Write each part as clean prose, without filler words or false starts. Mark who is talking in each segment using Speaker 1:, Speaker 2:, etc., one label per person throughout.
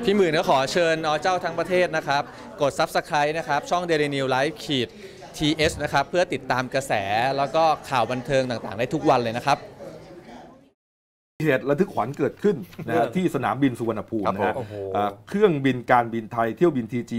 Speaker 1: พี่หมื่นก็ขอเชิญเจ้าทั้งประเทศนะครับกด Subscribe นะครับช่อง Daily New Life TS นะครับเพื่อติดตามกระแสแล้วก็ข่าวบันเทิงต่างๆได้ทุกวันเลยนะครับ
Speaker 2: เหตุระทึกขวัญเกิดขึ้นนะฮะที่สนามบินสุวรรณภูมินะฮะเครื่องบินการบินไทยเที่ยวบิน TG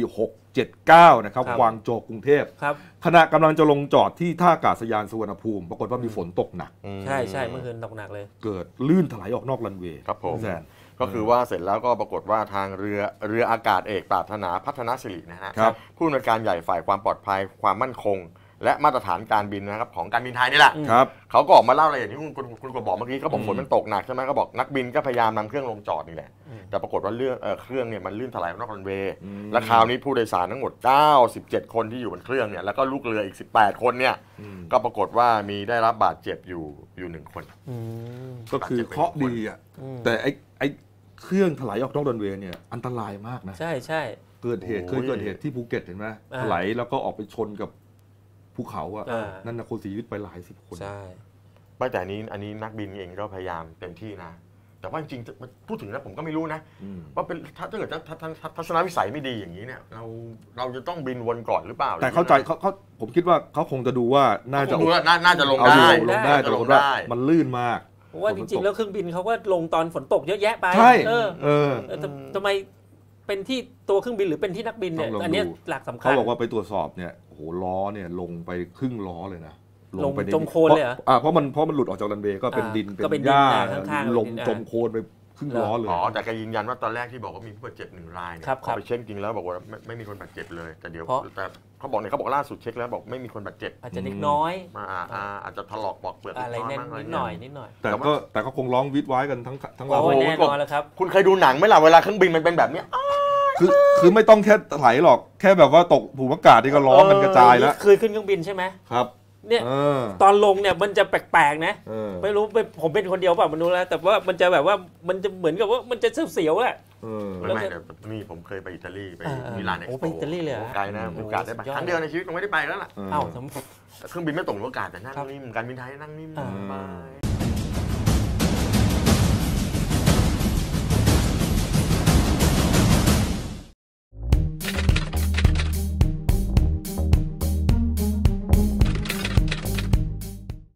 Speaker 2: 679นะครับกวางโจวกรุงเทพขณะกำลังจะลงจอดที่ท่าอากาศยานสุวรรณภูมิปรากฏว่ามีฝนตกหนัก
Speaker 3: ใช่เมื่อคืนตกหนักเลย
Speaker 2: เกิดลื่นถลายออกนอกรันเวย์
Speaker 4: ครับผมก็คือว่าเสร็จแล้วก็ปรากฏว่าทางเรืออากาศเอกปรารถนาพัฒนาสิรินะฮะผู้อำนวยการใหญ่ฝ่ายความปลอดภัยความมั่นคงและมาตรฐานการบินนะครับของการบินไทยนี่แหละเขาก็ออกมาเล่ารายละเอียดที่คุณก็บอกเมื่อกี้เขาบอกฝนมันตกหนักใช่ไหมเขาบอกนักบินก็พยายามนำเครื่องลงจอดนี่แหละแต่ปรากฏว่าเครื่องเนี่ยมันลื่นถลายนอกรันเวย์และคราวนี้ผู้โดยสารทั้งหมด97คนที่อยู่บนเครื่องเนี่ยแล้วก็ลูกเรืออีก18คนเนี่ยก็ปรากฏว่ามีได้รับบาดเจ็บอยู่1คน
Speaker 2: ก็คือเคราะห์ดีอ่ะแต่ไอ้เครื่องถลายออกนอกรันเวย์เนี่ยอันตรายมากนะ
Speaker 3: ใช่
Speaker 2: เคยเกิดเหตุที่ภูเก็ตเห็นไหมถลายแล้วก็ออกไปชนกับภูเขาอ่ะนั่นนะคนเสียชีวิตไปหลาย10 คน
Speaker 4: ใช่แต่อันนี้นักบินเองก็พยายามเต็มที่นะแต่ว่าจริงๆพูดถึงนะผมก็ไม่รู้นะว่าเป็นถ้าเกิดทัศนวิสัยไม่ดีอย่างนี้เนี่ยเราจะต้องบินวนก่อนหรือเปล่า
Speaker 2: แต่เข้าใจเขาผมคิดว่าเขาคงจะดูว่าน่าจะ
Speaker 4: ลงได้
Speaker 2: แต่ว่ามันลื่นมาก
Speaker 3: เพราะว่าจริงๆแล้วเครื่องบินเขาก็ลงตอนฝนตกเยอะแยะไป
Speaker 2: ใช่
Speaker 3: ทำไมเป็นที่ตัวเครื่องบินหรือเป็นที่นักบินเนี่ยอันนี้หลักสำคัญ
Speaker 2: เขาบอกว่าไปตรวจสอบเนี่ยโอ้โหล้อเนี่ยลงไปครึ่งล้อเลยนะ
Speaker 3: ลงไปจมโคลนเลยเหรอ
Speaker 2: เพราะมันหลุดออกจากรันเวย์ก็เป็นดินเป็นหญ้าลงจมโคลนไปครึ่งล้อเลย
Speaker 4: แต่แกยืนยันว่าตอนแรกที่บอกว่ามีผู้บาดเจ็บ1 รายเนี่ยเขาไปเช็คจริงแล้วบอกว่าไม่มีคนบาดเจ็บเลยแต่เขาบอกล่าสุดเช็คแล้วบอกไม่มีคนบาดเจ็บ
Speaker 3: อาจจะเล็กน้อย
Speaker 4: อาจจะถลอกปอกเปลือก
Speaker 3: อะไรนิดหน่อย
Speaker 2: แต่ก็คงร้องวิดไว้กันทั้งเรา
Speaker 3: แน่นอนแล้วครับ
Speaker 4: คุณเคยดูหนังไหมล่ะเวลาเครื่องบินมันเป็นแบบนี้
Speaker 2: คือไม่ต้องแค่ถลายหรอกแค่แบบว่าตกผูกอากาศที่ก็ร้องกันกระจายแล้ว
Speaker 3: เคยขึ้นเครื่องบินใช่ไหม
Speaker 2: ครับ
Speaker 3: เนี่ยตอนลงเนี่ยมันจะแปลกๆนะไม่รู้ผมเป็นคนเดียวเปล่ามันรู้แล้วแต่ว่ามันจะแบบว่ามันจะเหมือนกับว่ามันจะเสียวๆแหละ
Speaker 4: ไม่นี่ผมเคยไปอิตาลีไปมิลานเอ็กซ์โป
Speaker 3: ไปอิตาลีเลย
Speaker 4: ไกลนะโอกาสได้ไปครั้งเดียวในชีวิตผมไม่ได้ไปแล้วล่ะ
Speaker 3: เอ้า
Speaker 4: เครื่องบินไม่ตกอากาศแต่นั่งนิ่มการบินไทยนั่งนิ่มสบาย